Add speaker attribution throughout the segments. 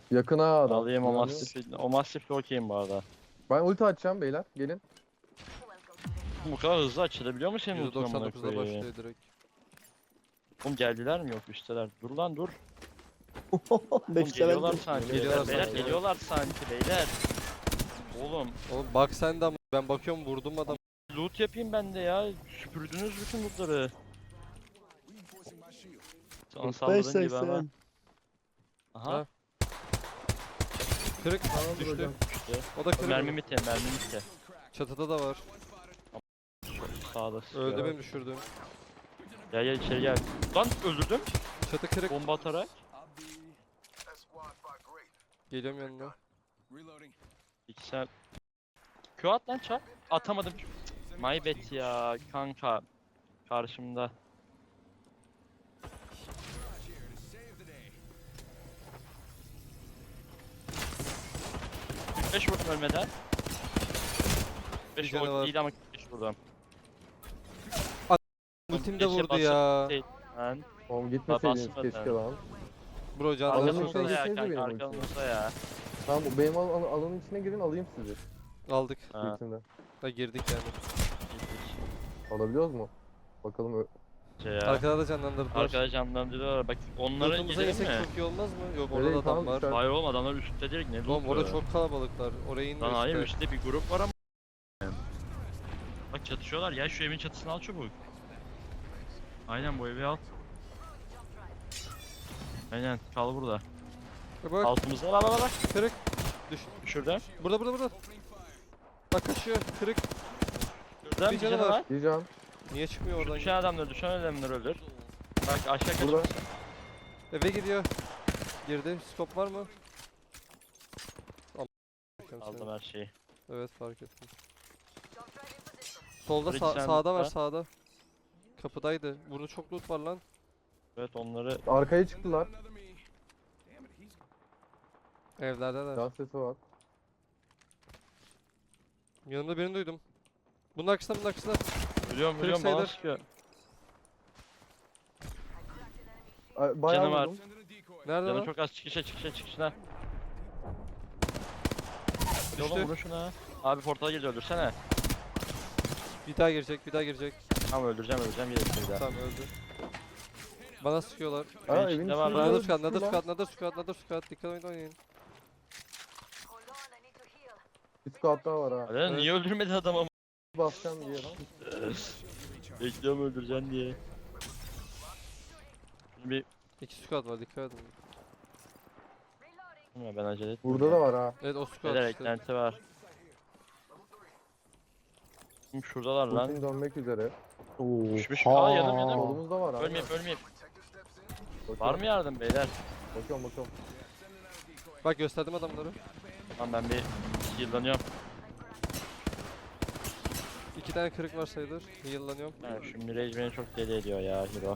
Speaker 1: Yakına adam.
Speaker 2: Alayım o
Speaker 1: Güvenmiyor.
Speaker 2: mastifle. O mastifle okeyim bu arada.
Speaker 1: Ben ulti açacağım beyler. Gelin.
Speaker 2: Bu kadar hızlı açılabiliyor mu senin ultin amına
Speaker 3: %99'da
Speaker 2: koyayım?
Speaker 3: başlıyor direkt.
Speaker 2: Oğlum geldiler mi? Yok üstteler. Dur lan dur. Oğlum
Speaker 1: Beş
Speaker 2: geliyorlar
Speaker 1: level
Speaker 2: sanki.
Speaker 3: Geliyorlar
Speaker 2: Beyler
Speaker 3: sanki.
Speaker 2: geliyorlar sanki beyler. Oğlum
Speaker 3: Oğlum bak sen de ama ben bakıyorum vurdum adam.
Speaker 2: loot yapayım ben de ya. Süpürdünüz bütün lootları. Sana saldırdığın gibi ama. Aha.
Speaker 3: Ha. Kırık
Speaker 1: Tamamdır
Speaker 3: düştü.
Speaker 1: hocam.
Speaker 2: İşte.
Speaker 3: O da kırık.
Speaker 2: Mermi bitti, mermi bitti.
Speaker 3: Çatıda da var.
Speaker 2: Sağda sıkıyor.
Speaker 3: Öldü benim düşürdüm.
Speaker 2: Gel gel içeri gel. Lan öldürdüm.
Speaker 3: Çatı kırık.
Speaker 2: Bomba atarak.
Speaker 3: Geliyorum yanına.
Speaker 2: İki sen. Q at lan çap. Atamadım. My bad ya kanka. Karşımda. Beş vurdum ölmeden. 5
Speaker 3: canı var.
Speaker 2: vurdum değil ama 5 vurdum.
Speaker 3: Ultim de
Speaker 2: Keşke
Speaker 3: vurdu ya.
Speaker 2: Lan.
Speaker 1: Oğlum gitmeseydiniz
Speaker 2: basmadı.
Speaker 1: keşke lan.
Speaker 3: Bro can
Speaker 1: Alanın
Speaker 3: çok
Speaker 1: içine
Speaker 3: az.
Speaker 2: Arkamızda ya
Speaker 1: gitsenize
Speaker 2: kanka
Speaker 1: benim
Speaker 2: arkamızda ya.
Speaker 1: Tamam benim alanın içine girin alayım sizi.
Speaker 3: Aldık.
Speaker 2: Ha.
Speaker 1: İçinde.
Speaker 3: Ha girdik yani.
Speaker 1: Alabiliyoruz mu? Bakalım.
Speaker 2: Şey ya.
Speaker 3: Arkada da canlandırdılar.
Speaker 2: Arkada canlandırıyorlar bak onlara
Speaker 3: Lootumuza
Speaker 2: gidelim
Speaker 3: yesek
Speaker 2: mi?
Speaker 3: çok iyi olmaz mı? Yok
Speaker 1: Nereye?
Speaker 3: orada da adam
Speaker 1: Tamam,
Speaker 3: var.
Speaker 1: güzel.
Speaker 2: Hayır oğlum adamlar üstte direkt ne
Speaker 3: Oğlum
Speaker 2: loot'u?
Speaker 3: orada çok kalabalıklar. Oraya inme
Speaker 2: Lan hayır
Speaker 3: üstte.
Speaker 2: üstte bir grup var ama. Bak çatışıyorlar ya şu evin çatısını al çabuk. Aynen bu evi al. Aynen kal burada.
Speaker 3: Bak
Speaker 2: Altımızda bak bak.
Speaker 3: kırık. Düş.
Speaker 2: Şurada.
Speaker 3: Burada. Bak kaçıyor. Kırık.
Speaker 2: Şurada
Speaker 3: Bir
Speaker 2: bir
Speaker 3: canı
Speaker 2: canı
Speaker 3: var.
Speaker 2: var.
Speaker 1: Diyeceğim.
Speaker 3: Niye çıkmıyor
Speaker 2: Şu
Speaker 3: oradan?
Speaker 2: düşen adamlar öldür. Bak aşağı kaç.
Speaker 1: Burada.
Speaker 3: Eve gidiyor. Girdi. Stop var mı?
Speaker 2: Aldım her şeyi.
Speaker 3: Evet fark ettim. Solda
Speaker 2: Bridge sen
Speaker 3: sağda var
Speaker 2: lütfen.
Speaker 3: sağda. Kapıdaydı. Burada çok loot var lan.
Speaker 2: Evet onları
Speaker 1: Arkaya çıktılar.
Speaker 3: Evlerde de.
Speaker 1: Can sesi var.
Speaker 3: Yanımda birini duydum. Bunun arkasında.
Speaker 2: biliyorum
Speaker 3: Kırık
Speaker 2: bana
Speaker 3: sayılır.
Speaker 2: sıkıyor.
Speaker 1: Bayağı
Speaker 2: Canı var.
Speaker 1: vurdum.
Speaker 3: Nerede
Speaker 2: Canı
Speaker 3: lan?
Speaker 2: çok az çıkışına.
Speaker 3: Düştü.
Speaker 2: Oğlum vurun şuna. Abi portala girdi öldürsene.
Speaker 3: Bir daha girecek.
Speaker 2: Tamam öldüreceğim gelirse bir daha.
Speaker 3: Tamam öldü. Bana sıkıyorlar.
Speaker 1: Aa
Speaker 2: Benim
Speaker 1: evin
Speaker 2: içinde
Speaker 1: içinde
Speaker 2: var lan.
Speaker 1: düştü
Speaker 3: Another squad. Dikkat oynayın.
Speaker 1: Bir squad daha var ha.
Speaker 2: Hadi
Speaker 3: Evet.
Speaker 2: niye öldürmedi adamı?
Speaker 1: Basacağım diye lan.
Speaker 2: Bekliyorum öldüreceksin diye. Bir
Speaker 3: İki squad var dikkat edin.
Speaker 2: ya ben acele ettim.
Speaker 1: Burada da var ha.
Speaker 3: Evet o squad
Speaker 2: Beyler
Speaker 3: işte.
Speaker 2: eklenti var. Şimdi şuradalar lan.
Speaker 1: Ultim dönmek üzere.
Speaker 2: Düşmüş.
Speaker 1: Ha,
Speaker 2: Aa, yanım.
Speaker 1: Solumuzda var ha.
Speaker 2: Ölmeyeyim. Var mı yardım beyler?
Speaker 1: Bakıyorum.
Speaker 3: Bak gösterdim adamları.
Speaker 2: Tamam ben bir yıllanıyorum.
Speaker 3: 2 tane kırık var sayılır. Heal'lanıyorum.
Speaker 2: Yani şu Mirage beni çok deli ediyor ya hero.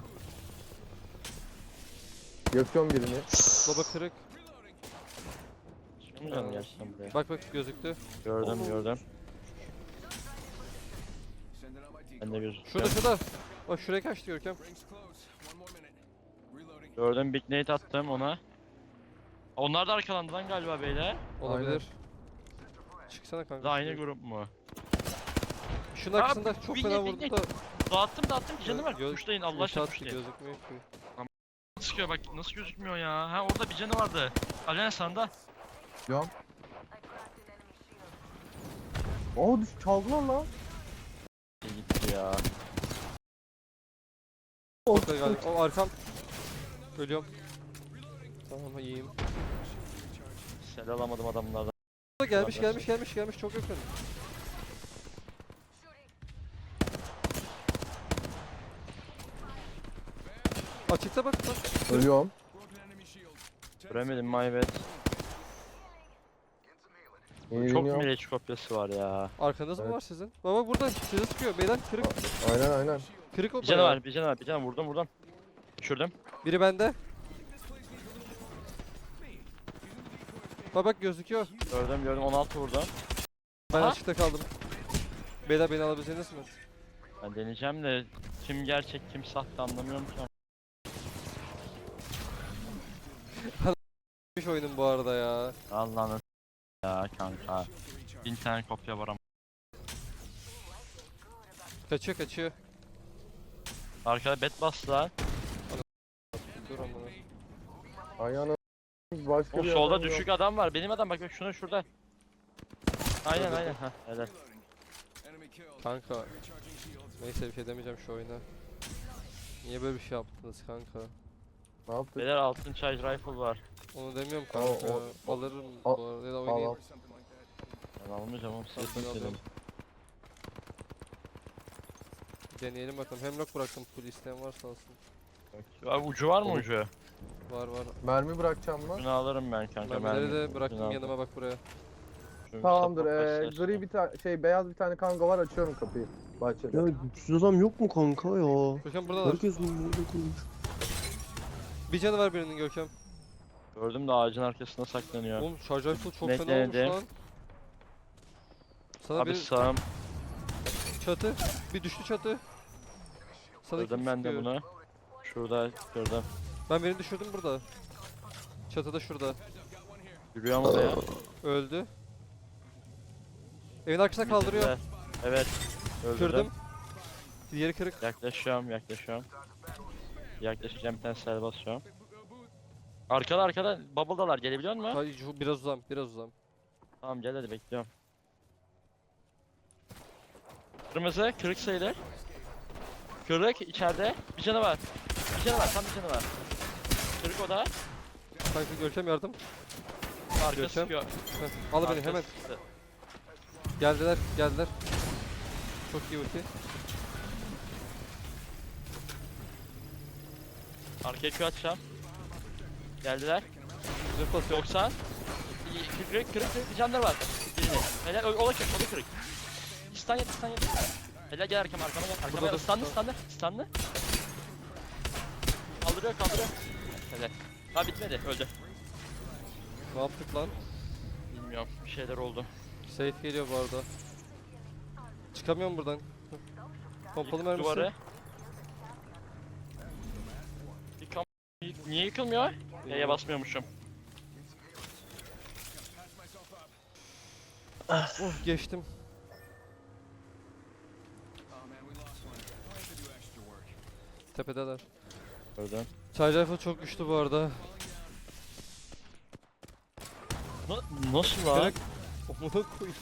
Speaker 1: Yakıyorum birini.
Speaker 3: Baba kırık.
Speaker 2: Çıkmıyor mu gerçekten buraya?
Speaker 3: Bak gözüktü.
Speaker 2: Gördüm. Ben de gözüküyor.
Speaker 3: Şurada. Bak şuraya kaçtı Görkem.
Speaker 2: Gördüm Big Nate attım ona. Onlar da arkalandı lan galiba beyler.
Speaker 3: Olabilir. Çıksana kanka.
Speaker 2: Da aynı
Speaker 3: şuraya.
Speaker 2: grup mu?
Speaker 3: Şunun arkasında çok fena vurdu da.
Speaker 2: Dağıttım bir canı var.
Speaker 3: Göz-
Speaker 2: Tuşlayın Allah
Speaker 3: ulti
Speaker 2: aşkına
Speaker 3: attı,
Speaker 2: tuşlayın.
Speaker 3: gözükmüyor ki.
Speaker 2: Sıkıyor bak nasıl gözükmüyor ya. Ha orada bir canı vardı. Alena sanda.
Speaker 1: Can. Aa çaldılar lan.
Speaker 2: Gitti ya.
Speaker 3: Çok da galiba. O arkam. Ölüyorum. Tamam iyiyim.
Speaker 2: Sel alamadım adamlardan.
Speaker 3: Gelmiş çok yakın. Açıkta bak.
Speaker 1: Ölüyorum.
Speaker 2: Göremedim my bad. Çok
Speaker 1: Yenileniyorum.
Speaker 2: Mirage kopyası var ya.
Speaker 3: Arkanız mı
Speaker 1: Evet.
Speaker 3: var sizin? Baba burada size sıkıyor. Beyler kırık.
Speaker 1: Aynen.
Speaker 3: Kırık o
Speaker 2: Bir canı
Speaker 3: bayağı.
Speaker 2: var, bir canı vurdum. Düşürdüm.
Speaker 3: Biri bende. Bak gözüküyor.
Speaker 2: Gördüm 16 vurdum.
Speaker 3: Ben
Speaker 2: Aha.
Speaker 3: açıkta kaldım. Beyler beni alabileceğiniz mi?
Speaker 2: Ben deneyeceğim de kim gerçek kim sahte anlamıyorum ki.
Speaker 3: Oyunun bu bu arada ya.
Speaker 2: Allah'ını ya kanka. 1000 tane kopya var ama.
Speaker 3: Kaçıyor kaçıyor.
Speaker 2: Arkada bet bastılar.
Speaker 3: Dur amına.
Speaker 1: Ayağına başka
Speaker 2: O
Speaker 1: bir
Speaker 2: solda
Speaker 1: adam yok.
Speaker 2: düşük adam var. Benim adam bak şunu şurada. Aynen
Speaker 3: Öldürdüm.
Speaker 2: aynen. Ha, helal.
Speaker 3: Kanka. Neyse bir şey demeyeceğim şu oyuna. Niye böyle bir şey yaptınız kanka?
Speaker 1: Ne yaptık?
Speaker 2: Beyler altın charge rifle var.
Speaker 3: Onu demiyorum
Speaker 1: Aa,
Speaker 3: kanka.
Speaker 1: o-
Speaker 3: Alırım
Speaker 1: al-
Speaker 3: bu arada ya da
Speaker 1: Al
Speaker 3: oynayayım.
Speaker 1: al.
Speaker 2: Ben almayacağım oğlum.
Speaker 3: Tamam,
Speaker 2: Sesini
Speaker 3: ben
Speaker 2: dedim.
Speaker 3: alıyorum. Deneyelim bakalım. Hemlock bıraktım full isteyen varsa alsın.
Speaker 2: Abi ucu var mı
Speaker 1: Olur.
Speaker 2: ucu?
Speaker 3: Var var.
Speaker 1: Mermi bırakacağım lan.
Speaker 2: Bunu alırım ben kanka.
Speaker 3: Mermileri
Speaker 2: mermi.
Speaker 3: de bıraktım
Speaker 2: Bunu
Speaker 3: yanıma
Speaker 2: aldım.
Speaker 3: bak buraya.
Speaker 2: Şu
Speaker 1: Tamamdır.
Speaker 2: support başlar.
Speaker 1: Gri bir tane şey beyaz bir tane kanka var, açıyorum kapıyı. Bahçede.
Speaker 4: Ya güçsüz adam yok mu kanka ya?
Speaker 3: Görkem buradalar.
Speaker 4: Herkes bunu burada kurmuş.
Speaker 3: Bir canı var birinin Görkem.
Speaker 2: Gördüm de ağacın arkasında saklanıyor.
Speaker 3: Oğlum şarj rifle çok
Speaker 2: Ne
Speaker 3: fena olmuş
Speaker 2: denedim?
Speaker 3: lan. Sana
Speaker 2: Abi
Speaker 3: bir
Speaker 2: sağım.
Speaker 3: çatı. Bir düştü çatı. Sana
Speaker 2: Kırdım
Speaker 3: kim
Speaker 2: ben de
Speaker 3: sıkıyor?
Speaker 2: bunu. Şurada kırdım.
Speaker 3: Ben birini düşürdüm burada. Çatıda şurada.
Speaker 2: Yürüyor mu oraya?
Speaker 3: Öldü. Evin arkasına kaldırıyor.
Speaker 2: Bitirdiler. Evet. Öldürdüm.
Speaker 3: Kırdım. Diğeri kırık.
Speaker 2: Yaklaşıyorum. Yaklaşacağım bir tane sel basıyorum. Arkada bubble'dalar, gelebiliyor musun?
Speaker 3: Hayır, biraz uzam.
Speaker 2: Tamam gel hadi bekliyorum. Kırmızı kırık sayılır. Kırık içeride. Bir canı var. Tam bir canı var. Kırık o da.
Speaker 3: Kanka Görkem yardım.
Speaker 2: Arka
Speaker 3: Görkem.
Speaker 2: sıkıyor.
Speaker 3: Heh, al beni
Speaker 2: Arka
Speaker 3: hemen.
Speaker 2: sıktı.
Speaker 3: Geldiler. Çok iyi ulti.
Speaker 2: Arkaya Q atacağım. Geldiler.
Speaker 3: Zırh basıyor.
Speaker 2: 90. Kırık bir canları var. Birini. Helal o da kırık. İstan yet. Helal gel arkama gel.
Speaker 3: Burada dur.
Speaker 2: Stunlı. Kaldırıyor. Helal. Ha bitmedi, öldü.
Speaker 3: Ne yaptık lan?
Speaker 2: Bilmiyorum, bir şeyler oldu.
Speaker 3: Safe geliyor bu arada. Çıkamıyorum buradan. Pompalı
Speaker 2: Yık
Speaker 3: mermisi.
Speaker 2: duvarı. Niye yıkılmıyor? Y'ye basmıyormuşum.
Speaker 3: Geçtim. Tepedeler.
Speaker 2: Gördüm.
Speaker 3: Charge rifle çok güçlü bu arada.
Speaker 2: Nasıl lan?
Speaker 3: Kırık. Omuna koyayım.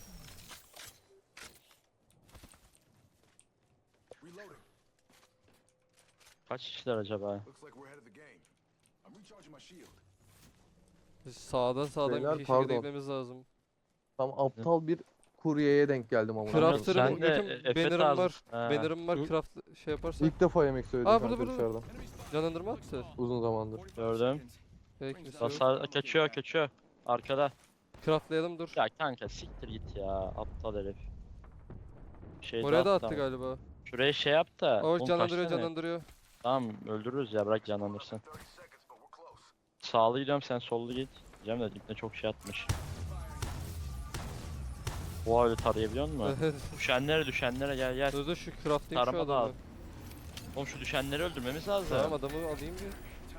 Speaker 2: Kaç kişiler acaba?
Speaker 3: Biz sağdan
Speaker 1: Beyler,
Speaker 3: bir şekilde
Speaker 1: pardon.
Speaker 3: gitmemiz lazım.
Speaker 1: Tam aptal bir kuryeye denk geldim ama.
Speaker 3: Crafter'ım,
Speaker 2: Sen de
Speaker 3: Görkem,
Speaker 2: Efe
Speaker 3: banner'ım
Speaker 2: tarzı-
Speaker 3: var.
Speaker 2: Ha.
Speaker 3: Banner'ım var, craft şey yaparsa.
Speaker 1: İlk defa yemek söyledim
Speaker 3: Aa,
Speaker 1: kanka
Speaker 3: burada.
Speaker 1: dışarıdan.
Speaker 3: Canlandırma attı.
Speaker 1: Uzun zamandır.
Speaker 2: Gördüm.
Speaker 3: Peki,
Speaker 2: Basar kaçıyor. Arkada.
Speaker 3: craftlayalım dur.
Speaker 2: Ya kanka siktir git ya. Aptal herif. Şey
Speaker 3: Oraya da
Speaker 2: attı
Speaker 3: attı
Speaker 2: ama.
Speaker 3: galiba.
Speaker 2: Şuraya şey yap da.
Speaker 3: O
Speaker 2: oğlum
Speaker 3: canlandırıyor,
Speaker 2: kaç tane?
Speaker 3: canlandırıyor.
Speaker 2: Tamam öldürürüz ya, bırak canlandırsın. Sağlı gidiyorum, sen sollu git. Diyeceğim de dipne çok şey atmış. Oha, öyle tarayabiliyor musun? Düşenlere gel.
Speaker 3: Dur şu craftlayayım şu
Speaker 2: Tarama da al.
Speaker 3: adamı.
Speaker 2: Oğlum şu düşenleri öldürmemiz lazım.
Speaker 3: Tamam adamı alayım bir.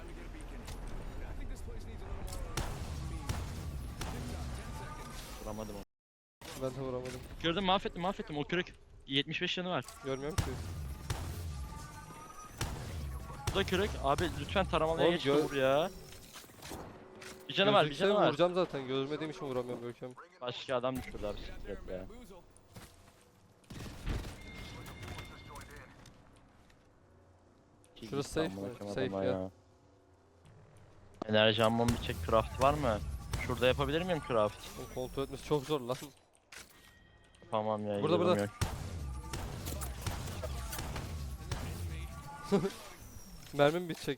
Speaker 2: Vuramadım onu.
Speaker 3: Ben de vuramadım.
Speaker 2: Gördüm, mahvettim o kırık. 75 yanı var.
Speaker 3: Görmüyorum ki.
Speaker 2: Bu da kırık. Abi lütfen taramalıya
Speaker 3: Oğlum,
Speaker 2: geç de vur ya. Bir canı var.
Speaker 3: Gözükse vuracağım zaten. Görmediğim için vuramıyorum Görkem.
Speaker 2: Başka adam düşürdü abi, siktir et ya.
Speaker 3: Şurası safe mi? Safe ya.
Speaker 2: Enerji ammon bir çek, craft var mı? Şurada yapabilir miyim craft?
Speaker 3: Onu kontrol etmesi çok zor lan.
Speaker 2: Tamam ya.
Speaker 3: Burada,
Speaker 2: yolum
Speaker 3: burada.
Speaker 2: yok.
Speaker 3: Mermim bitecek.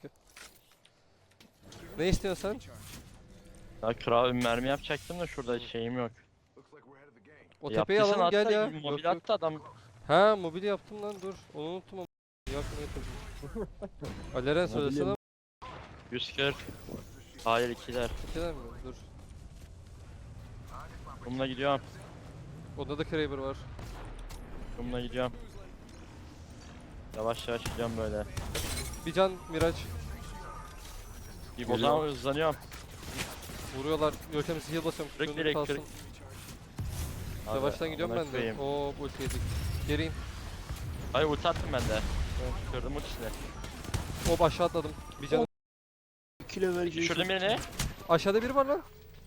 Speaker 3: Ne istiyorsun sen?
Speaker 2: Ya craft mermi yapacaktım da şurada şeyim yok.
Speaker 3: O tepeyi
Speaker 2: Yaptıysan
Speaker 3: alalım gel
Speaker 2: hatta
Speaker 3: ya.
Speaker 2: mobil
Speaker 3: Yok, yok.
Speaker 2: attı adam.
Speaker 3: Ha mobil yaptım lan dur. Onu unuttum ama. Yakmayı tabii. Aleren söylesene.
Speaker 2: 140. Hayır, ikiler.
Speaker 3: İkiler mi? Dur.
Speaker 2: Bununla gidiyorum.
Speaker 3: Onda da Kraber var.
Speaker 2: Bununla gidiyorum. Yavaş gidiyorum böyle.
Speaker 3: Bir can Miraç.
Speaker 2: O zaman hızlanıyorum.
Speaker 3: Vuruyorlar. Görkem heal basıyorum.
Speaker 2: Kırık
Speaker 3: Şunu
Speaker 2: direkt,
Speaker 3: kalsın.
Speaker 2: kırık.
Speaker 3: Yavaştan gidiyorum ben de.
Speaker 2: Koyayım.
Speaker 3: Oo bu ulti yedik. Geri in.
Speaker 2: Hayır ulti attım ben de. Kırdım ultisini.
Speaker 3: Hop aşağı atladım. Bir canım.
Speaker 4: 2 level
Speaker 2: Düşürdüm birini.
Speaker 3: Aşağıda biri var lan.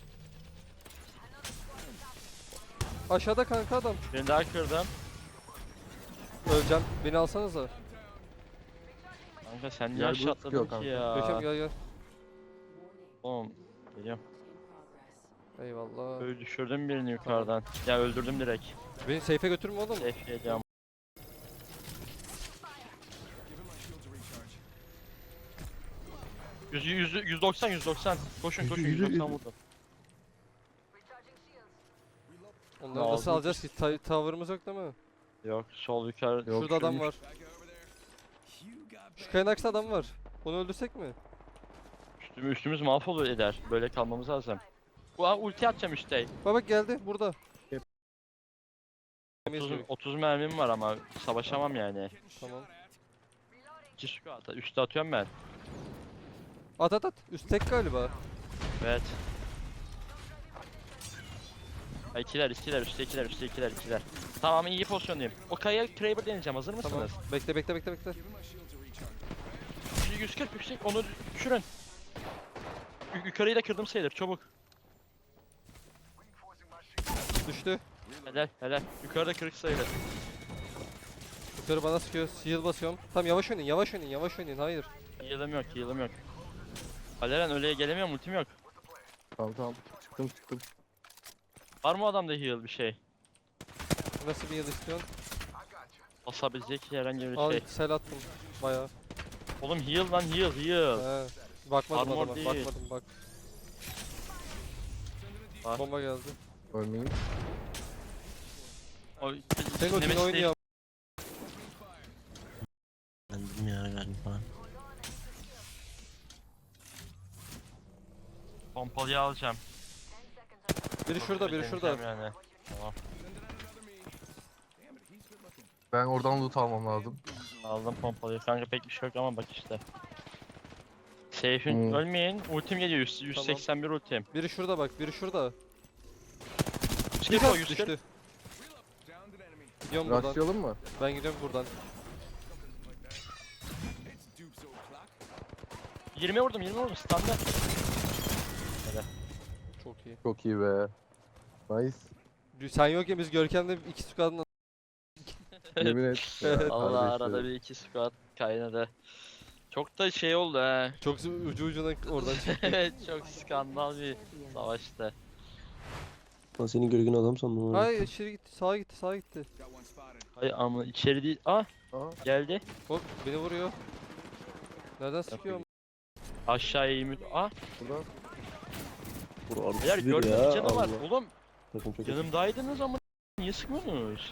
Speaker 3: Aşağıda kanka adam.
Speaker 2: Birini daha kırdım.
Speaker 3: Öleceğim. Beni alsanıza.
Speaker 2: Kanka sen niye
Speaker 1: Yer
Speaker 2: aşağı
Speaker 1: boost
Speaker 2: atladın
Speaker 1: çıkıyor
Speaker 2: ki
Speaker 3: Görkem
Speaker 2: ya?
Speaker 3: gel gel.
Speaker 2: Oğlum. Geliyorum.
Speaker 3: Eyvallah.
Speaker 2: Öyle düşürdüm birini yukarıdan. Ya öldürdüm direkt.
Speaker 3: Beni safe'e götürme oğlum.
Speaker 2: Safe geleceğim. Yüz, 190. Koşun koşun, 190 vurdum.
Speaker 3: Onları
Speaker 2: Ne
Speaker 3: nasıl
Speaker 2: oldu?
Speaker 3: alacağız ki? Tower'ımız yok değil mi?
Speaker 2: Yok, sol yukarı.
Speaker 1: Yok,
Speaker 3: Şurada adam
Speaker 1: şu
Speaker 3: var. Şu kayanın arkasında adam var. Onu öldürsek mi?
Speaker 2: Üstümüz mahvolur eder. Böyle kalmamız lazım. Bu ulti atacağım işte.
Speaker 3: Bak geldi burada.
Speaker 1: Yep.
Speaker 2: 30 mermim var ama savaşamam yani.
Speaker 3: Tamam.
Speaker 2: 2 squat. Üste atıyorum ben.
Speaker 3: At at at. Üst tek galiba.
Speaker 2: Evet. Ha, ikiler, üstte ikiler. Tamam, iyi pozisyondayım. O kayaya Kraber deneyeceğim, hazır mısınız?
Speaker 3: Tamam. Bekle bekle bekle bekle.
Speaker 2: Şu 140 yüksek, onu düşürün. Yukarıyı da kırdım sayılır, çabuk.
Speaker 3: Düştü.
Speaker 2: Helal. Yukarıda kırık sayılır.
Speaker 3: Yukarı bana sıkıyor. Heal basıyorum. Tamam yavaş oynayın. Hayır.
Speaker 2: Heal'ım yok. Aleren öyle gelemiyorum, ultim yok.
Speaker 1: Tamam. Çıktım.
Speaker 2: Var mı adamda heal bir şey?
Speaker 3: Nasıl bir heal istiyorsun?
Speaker 2: Basabilecek herhangi bir
Speaker 3: Al
Speaker 2: şey.
Speaker 3: sel attım. Bayağı.
Speaker 2: Oğlum heal lan, heal.
Speaker 3: He. Bakmadım
Speaker 2: Armor
Speaker 3: adama.
Speaker 2: değil.
Speaker 3: Bakmadım bak.
Speaker 2: Var.
Speaker 3: Bomba geldi.
Speaker 1: Ölmeyeyim.
Speaker 2: O,
Speaker 3: Senin ultin
Speaker 2: Nemesis
Speaker 3: oynuyor.
Speaker 4: Bendim ya galiba.
Speaker 2: Pompalıyı alacağım.
Speaker 3: Biri şurada.
Speaker 2: Deneyeceğim Yani. Tamam.
Speaker 1: Ben oradan loot almam lazım.
Speaker 2: Aldım pompalıyı. Kanka pek bir şey yok ama bak işte. Safe'in
Speaker 1: Hmm.
Speaker 2: ölmeyin. Ultim geliyor. 181 ultim.
Speaker 3: Biri şurada bak. Biri şurada.
Speaker 2: 140 o, 140.
Speaker 3: Düştü. Gidiyorum buradan.
Speaker 1: Rushlayalım mı?
Speaker 3: Ben gidiyorum buradan.
Speaker 2: 20 vurdum. Standart.
Speaker 3: Çok iyi.
Speaker 1: Çok iyi be. Nice.
Speaker 3: Sen yokken biz Görkem'le 2 squad'ın
Speaker 1: Yemin et.
Speaker 3: Evet.
Speaker 2: Allah
Speaker 1: Kardeşlerim.
Speaker 2: arada bir iki squat kaynadı. Çok da şey oldu he.
Speaker 3: çok ucu ucuna oradan çıktı.
Speaker 2: Evet, çok skandal bir savaştı.
Speaker 4: Lan seni görgün adam sandım.
Speaker 3: Hayır içeri gitti. Sağa gitti.
Speaker 2: Hayır ama içeri değil. Ah,
Speaker 1: Aa,
Speaker 2: geldi.
Speaker 3: Hop beni vuruyor. Nereden sıkıyor?
Speaker 2: Aşağıya eğimi. Ah,
Speaker 1: buradan.
Speaker 4: Vur
Speaker 2: eğer
Speaker 4: artık bir
Speaker 2: gördüm
Speaker 4: ya.
Speaker 2: canı var.
Speaker 4: Allah.
Speaker 2: Oğlum
Speaker 4: Takım çok
Speaker 2: yanımdaydınız ama niye sıkmıyorsunuz?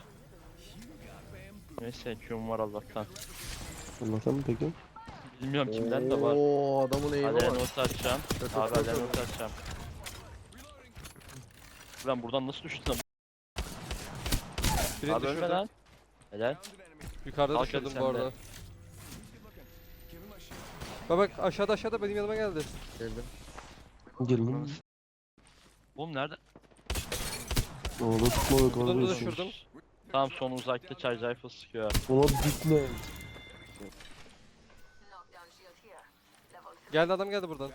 Speaker 2: Neyse Q'm var Allah'tan.
Speaker 4: Allah'tan mı peki?
Speaker 2: Bilmiyorum kimden de var.
Speaker 1: Oo, adamın eğimi
Speaker 2: Aleren
Speaker 1: var.
Speaker 2: ulti atacağım.
Speaker 1: Çok
Speaker 2: Abi
Speaker 1: çok
Speaker 2: Aleren
Speaker 1: çok.
Speaker 2: ulti atacağım. Ben buradan nasıl düştüm?
Speaker 3: Birini
Speaker 2: Abi ölme
Speaker 3: düşürdüm.
Speaker 2: lan. Helal.
Speaker 3: Yukarıda
Speaker 2: Kalk
Speaker 3: düşürdüm
Speaker 2: hadi
Speaker 3: bu
Speaker 2: sen de.
Speaker 3: arada. Bak aşağıda benim yanıma geldi.
Speaker 1: Geldim.
Speaker 4: Gelin.
Speaker 2: Oğlum nerede?
Speaker 4: Oğlum tutma yok
Speaker 3: Buradan da
Speaker 4: abi.
Speaker 3: düşürdüm.
Speaker 2: Tam son uzakta charge rifle sıkıyor.
Speaker 4: Ona bitme.
Speaker 3: Geldi adam geldi buradan.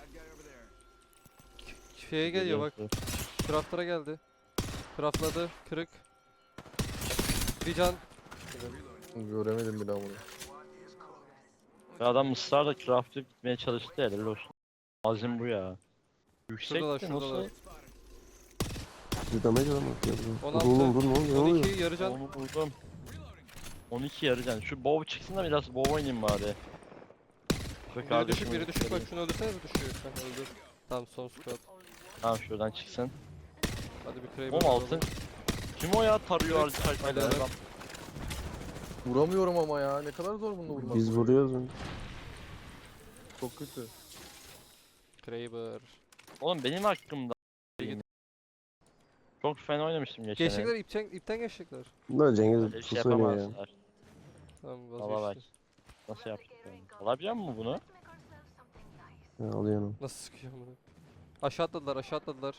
Speaker 3: Şeye geliyor bak. Craftlara geldi. Craftladı. Kırık. Bir can.
Speaker 1: Göremedim bile bunu.
Speaker 2: Ve adam ısrarla craft'ı gitmeye çalıştı helal olsun. Azim bu ya.
Speaker 3: Şuradalar,
Speaker 2: Yüksekti nasıl?
Speaker 3: şuradalar.
Speaker 4: Bir damage adam atıyor.
Speaker 3: 16.
Speaker 4: Oğlum dur ne oluyor?
Speaker 3: 12 yarı can.
Speaker 2: Onu buldum. 12 yarıcan. Şu bow çıksın da biraz bow oynayayım bari.
Speaker 3: Biri düşük bak şunu öldürsene bir düşüyor. Heh, öldür. Tamam son squad.
Speaker 2: Tamam şuradan çıksın.
Speaker 3: Hadi bir Kraber.
Speaker 2: Oğlum altın. Kim o ya tarıyor
Speaker 3: Evet,
Speaker 2: harcayla
Speaker 3: aynen.
Speaker 2: adam.
Speaker 1: Vuramıyorum ama ya. Ne kadar zor bunu vurmak.
Speaker 4: Biz vuruyoruz. onu.
Speaker 1: Çok kötü.
Speaker 3: Kraber.
Speaker 2: Oğlum benim hakkımda. Çok fena oynamıştım geçen el.
Speaker 3: Geçecekler ipten geçecekler.
Speaker 4: Bunlar
Speaker 2: Öyle
Speaker 4: Cengiz
Speaker 2: bir şey
Speaker 4: sus oynuyor ya.
Speaker 2: yapamazlar.
Speaker 3: Tamam
Speaker 2: Valla bak.
Speaker 3: vazgeçti.
Speaker 2: Nasıl yaptık? Alabiliyor musun bunu?
Speaker 4: Ya alıyor onu.
Speaker 3: Nasıl sıkıyor bunu? Aşağı atladılar, aşağı atladılar.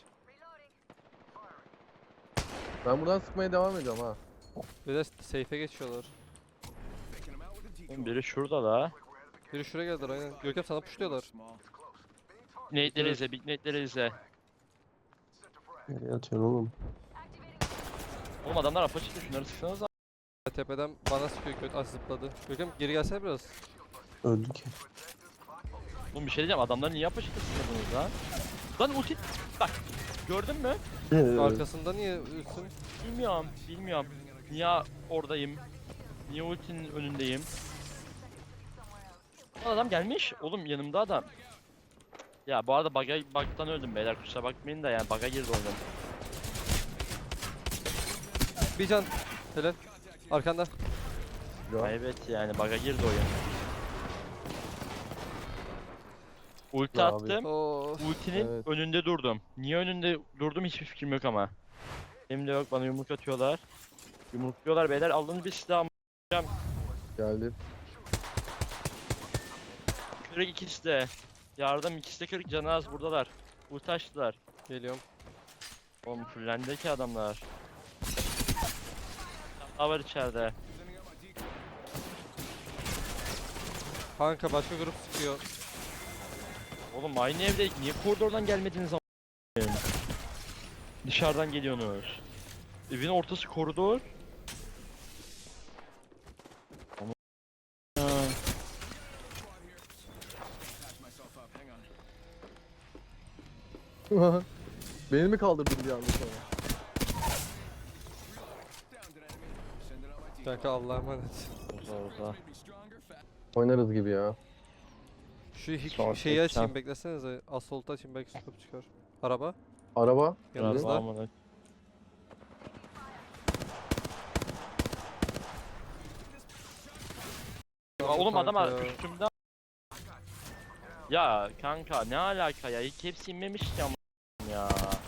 Speaker 1: Ben buradan sıkmaya devam ediyorum ha.
Speaker 3: Bir de safe'e geçiyorlar.
Speaker 2: Oğlum biri şurada la.
Speaker 3: Biri şuraya geldiler aynen. Görkem sana pushluyorlar.
Speaker 2: Nade'leri izle, big nade'leri izle.
Speaker 4: Nereye atıyorsun oğlum?
Speaker 2: Oğlum adamlar apa çıktı, şunları sıksanıza.
Speaker 3: Tepeden bana sıkıyor, kötü zıpladı. Görkem geri gelsene biraz.
Speaker 4: Öldü ki.
Speaker 2: Oğlum bir şey diyeceğim, adamlar niye apa çıktı sıkmadınız lan? Lan ulti, bak gördün mü?
Speaker 3: Arkasında niye ölsün?
Speaker 2: Bilmiyorum. Niye oradayım? Niye ultinin önündeyim? Lan adam gelmiş. Oğlum yanımda adam. Ya bu arada bug'tan öldüm beyler, kusura bakmayın da yani bug'a girdi oyunum.
Speaker 3: Bir can. Helal. Arkanda.
Speaker 1: Ya.
Speaker 2: Evet yani bug'a girdi oyun. Ulti
Speaker 1: Ya abi.
Speaker 2: attım.
Speaker 3: Oo.
Speaker 2: Ultinin
Speaker 1: Evet.
Speaker 2: önünde durdum. Niye önünde durdum hiçbir fikrim yok ama. Benim de yok, bana yumruk atıyorlar. Yumrukluyorlar beyler, alın bir silah.
Speaker 1: Geldi.
Speaker 2: Kırık ikisi de. Yardım, ikisi de kırık, canı az, buradalar. Ulti açtılar.
Speaker 3: Geliyorum.
Speaker 2: Oğlum fullendi ki adamlar. Daha var içeride.
Speaker 3: Kanka başka grup sıkıyor.
Speaker 2: Oğlum aynı evdeydik, niye koridordan gelmediniz ama? Dışarıdan geliyorsunuz. Evin ortası koridor. Ama... Ha.
Speaker 1: Beni mi kaldırdın bir anda sonra?
Speaker 3: Kanka Allah'a emanet.
Speaker 2: Uza.
Speaker 1: Oynarız gibi ya.
Speaker 3: Şu
Speaker 2: Sağ
Speaker 3: şeyi
Speaker 2: tek
Speaker 3: açayım
Speaker 2: can.
Speaker 3: beklesenize. Assault açayım belki scope çıkar. Araba.
Speaker 1: Araba.
Speaker 2: Biraz
Speaker 3: Yanımızda.
Speaker 2: daha mı? Ya oğlum adam
Speaker 3: Kanka ya.
Speaker 2: üstümde. Ya kanka ne alaka ya? Hepsi inmemiş ki ama ya.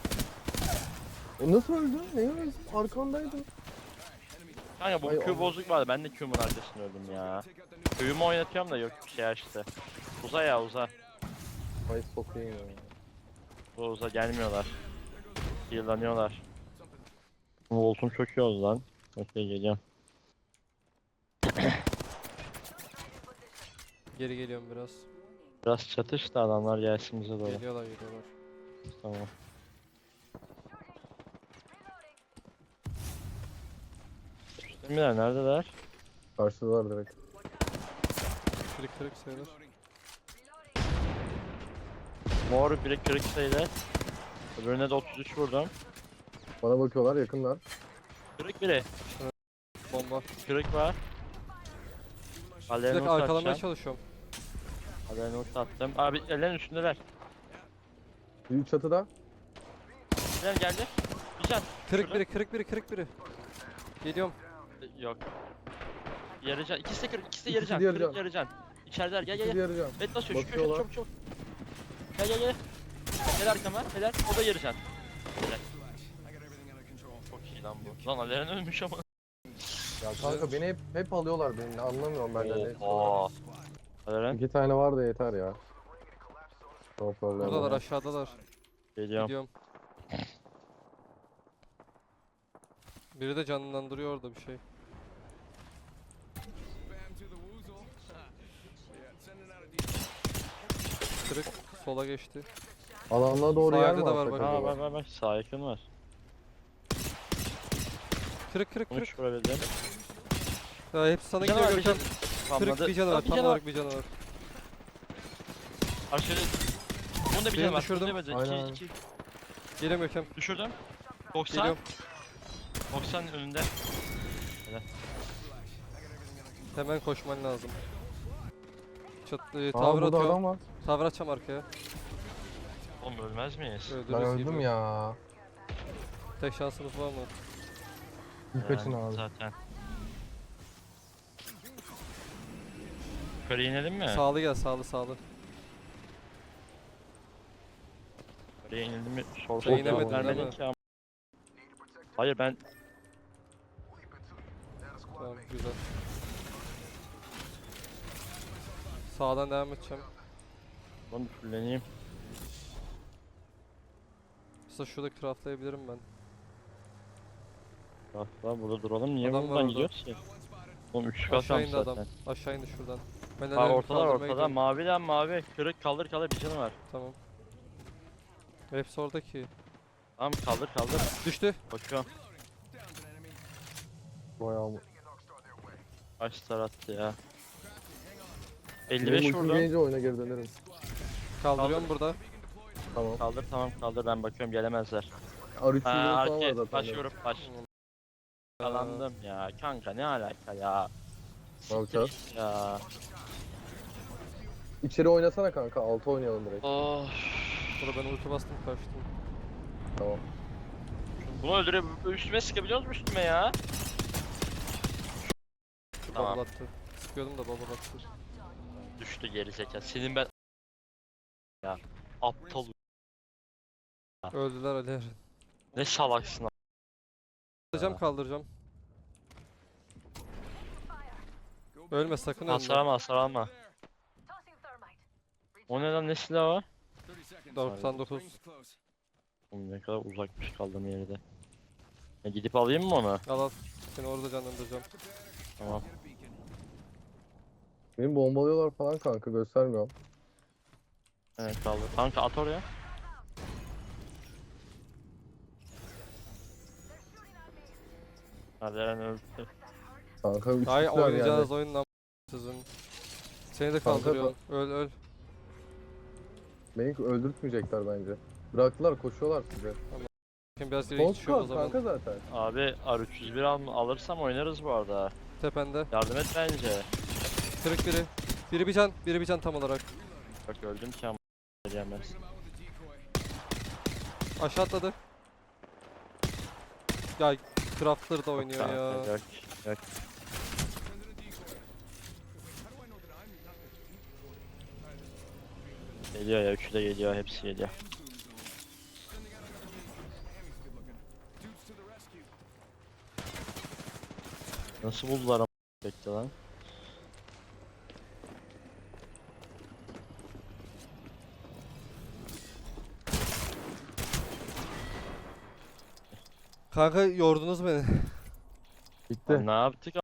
Speaker 1: O nasıl öldü? Ne öldü? Arkandaydı.
Speaker 2: Kanka bu
Speaker 1: Ay
Speaker 2: Q
Speaker 1: Allah.
Speaker 2: bozuk vardı, ben de Q'mun arkasında öldüm ya. Q'yu oynatıyorum da yok, bir şey açtı. Uza ya uza.
Speaker 1: Ay sokayım ya.
Speaker 2: Uza gelmiyorlar. Heal'lanıyorlar. Voltum çok iyi oldu lan. Okey geliyorum.
Speaker 3: Geri geliyorum biraz.
Speaker 2: Biraz çatış da adamlar gelsin bize doğru.
Speaker 3: Geliyorlar.
Speaker 2: Tamam. Üstümdeler neredeler?
Speaker 1: Karşıdalar direkt.
Speaker 3: Kırık sayılır.
Speaker 2: Mor biri kırık sayıda. Öbürüne de 33 vurdum.
Speaker 1: Bana bakıyorlar, yakınlar.
Speaker 2: Kırık biri.
Speaker 3: Bomba.
Speaker 2: Kırık var.
Speaker 3: Bir
Speaker 2: Alevini
Speaker 3: dakika arkalamaya
Speaker 2: atacağım.
Speaker 3: çalışıyorum.
Speaker 2: Alevini attım. Abi ellerin üstündeler.
Speaker 1: Büyük çatıda.
Speaker 2: Gel geldi. Bir can.
Speaker 3: Kırık biri. Geliyorum.
Speaker 2: Yok. Yarı can. İkisi de kırık. İkisi de yarı
Speaker 1: İkisi
Speaker 2: can.
Speaker 1: de yarı
Speaker 2: Kırık
Speaker 1: can.
Speaker 2: yarı can. İçerideler. Gel
Speaker 1: İkisi yarayacağım.
Speaker 2: Bet basıyor. Şu köşe
Speaker 1: Bakıyorlar.
Speaker 2: çabuk. Gel. Gel arkama. Helal. O da yarı can. Helal. Çok iyi lan bu. Lan Aleren ölmüş ama.
Speaker 1: Ya kanka beni hep alıyorlar beni. Anlamıyorum ben de ne.
Speaker 2: Oha. Aleren.
Speaker 1: 2 tane var da yeter ya. No problem.
Speaker 3: Buradalar aşağıdalar.
Speaker 2: Geliyorum.
Speaker 3: Gidiyorum. Biri de canlandırıyor orada bir şey. Kırık sola geçti.
Speaker 1: Alanına doğru
Speaker 3: Sağ
Speaker 1: yer
Speaker 3: evde
Speaker 1: mi
Speaker 3: de var
Speaker 1: alsak
Speaker 3: bak.
Speaker 1: acaba?
Speaker 2: Bak. Sağ yakın var.
Speaker 3: Kırık.
Speaker 2: 13 vurabildim.
Speaker 3: Ya hepsi sana
Speaker 2: Bir canı
Speaker 3: gidiyor
Speaker 2: var,
Speaker 3: Görkem. Kırık
Speaker 2: Spamladı.
Speaker 3: bir canı var.
Speaker 2: Bir
Speaker 3: Tam
Speaker 2: canı
Speaker 3: olarak bir canı var.
Speaker 2: Aşırı. Bunun da bir
Speaker 3: Birini
Speaker 2: canı var.
Speaker 3: düşürdüm.
Speaker 2: Bunun da bir canı.
Speaker 1: Aynen.
Speaker 2: 2.
Speaker 3: Geliyorum Görkem.
Speaker 2: Düşürdüm. 90.
Speaker 3: Geliyorum.
Speaker 2: 90 önünde.
Speaker 3: Hemen koşman lazım.
Speaker 1: Aa
Speaker 3: Tavır
Speaker 1: burada
Speaker 3: atıyorum.
Speaker 1: adam var.
Speaker 3: Tavır atacağım arkaya.
Speaker 2: Oğlum ölmez miyiz?
Speaker 1: Ben
Speaker 3: Öldürürüz
Speaker 1: öldüm
Speaker 3: gibi.
Speaker 1: ya.
Speaker 3: Tek şansımız var mı?
Speaker 1: Birkaçın
Speaker 2: Yani
Speaker 1: abi.
Speaker 2: Zaten. Yukarı inelim mi?
Speaker 3: Sağlı gel sağlı.
Speaker 2: Yukarıya inildi mi? Sor
Speaker 3: Sen inemedin
Speaker 2: vermedin
Speaker 3: değil mi?
Speaker 2: ki ama. Hayır ben
Speaker 3: Tamam güzel. Sağdan devam edeceğim.
Speaker 2: bunu fulleneyim.
Speaker 3: Aslında şurada craftlayabilirim ben.
Speaker 2: Hatta burada duralım. Niye
Speaker 3: Adam var
Speaker 2: buradan
Speaker 3: orada.
Speaker 2: gidiyoruz ki? Oğlum 3 kat
Speaker 3: Aşağı
Speaker 2: almış
Speaker 3: indi adam.
Speaker 2: zaten.
Speaker 3: Aşağı indi şuradan. Ben
Speaker 2: Ha
Speaker 3: ellerimi
Speaker 2: ortalar
Speaker 3: kaldırmaya
Speaker 2: ortada.
Speaker 3: gidiyorum.
Speaker 2: Maviden mavi. Kırık kaldır kaldır bir canı var.
Speaker 3: Tamam. Hepsi oradaki.
Speaker 2: Tamam kaldır kaldır.
Speaker 3: Düştü.
Speaker 2: Bakıyorum.
Speaker 1: Bayağı mı?
Speaker 2: Kaç star attı ya.
Speaker 1: Benim
Speaker 2: 55
Speaker 1: ultim
Speaker 2: vurdum.
Speaker 1: gelince oyuna geri dönerim.
Speaker 3: Kaldırıyorum burada.
Speaker 1: Tamam.
Speaker 2: Kaldır tamam kaldır ben bakıyorum gelemezler.
Speaker 1: R300
Speaker 2: Ha
Speaker 1: falan var
Speaker 2: arke
Speaker 1: zaten.
Speaker 2: baş vurup baş. Kalandım ya kanka ne alaka ya.
Speaker 1: Ne yapacağız?
Speaker 2: Siktir ya.
Speaker 1: İçeri oynasana kanka. 6 oynayalım direkt.
Speaker 2: Oh.
Speaker 3: Burada ben ulti bastım kaçtım.
Speaker 1: Tamam.
Speaker 2: Bunu öldürüp üstüme sıkabiliyor musun üstüme ya? Tamam.
Speaker 3: Bubble attı. Sıkıyordum da bubble attı.
Speaker 2: Düştü geri zeka. Senin ben ya aptal
Speaker 3: Öldüler Ali Eren.
Speaker 2: ne salaksın.
Speaker 3: Kaldıracağım kaldıracağım. Ölme sakın ölme.
Speaker 2: Hasar alma hasar alma. O ne lan ne silahı o?
Speaker 3: 99.
Speaker 2: Oğlum ne kadar uzakmış kaldığım yerde. Gidip alayım mı onu?
Speaker 3: Al al. Seni orada canlandıracağım.
Speaker 2: Tamam.
Speaker 1: Beni bombalıyorlar falan kanka. Göstermiyorum.
Speaker 2: Evet kaldı. Kanka at oraya. Hadi Eren öldü.
Speaker 1: Kanka 3
Speaker 3: Ay
Speaker 1: kişiler
Speaker 3: oynayacağınız
Speaker 1: yani.
Speaker 3: oyun lan sizin. Seni de
Speaker 1: Kanka,
Speaker 3: kaldırıyorum. Öl öl.
Speaker 1: Beni öldürtmeyecekler bence. Bıraktılar koşuyorlar size.
Speaker 3: Şimdi biraz
Speaker 1: Son
Speaker 3: geri geçiyor o
Speaker 1: squad
Speaker 3: zaman.
Speaker 1: kanka zaten.
Speaker 2: Abi R301 alırsam oynarız bu arada.
Speaker 3: Tepende.
Speaker 2: Yardım et bence.
Speaker 3: Kırık biri. Biri bir can tam olarak.
Speaker 2: Bak öldüm ki ama gelmez.
Speaker 3: Aşağı atladı. Ya Craftler da oynuyor ya.
Speaker 2: Yok yok. Geliyor ya üçü de geliyor hepsi geliyor. Nasıl buldular ama bekle lan.
Speaker 3: Kanka yordunuz beni.
Speaker 1: Bitti.
Speaker 2: Lan ne yaptık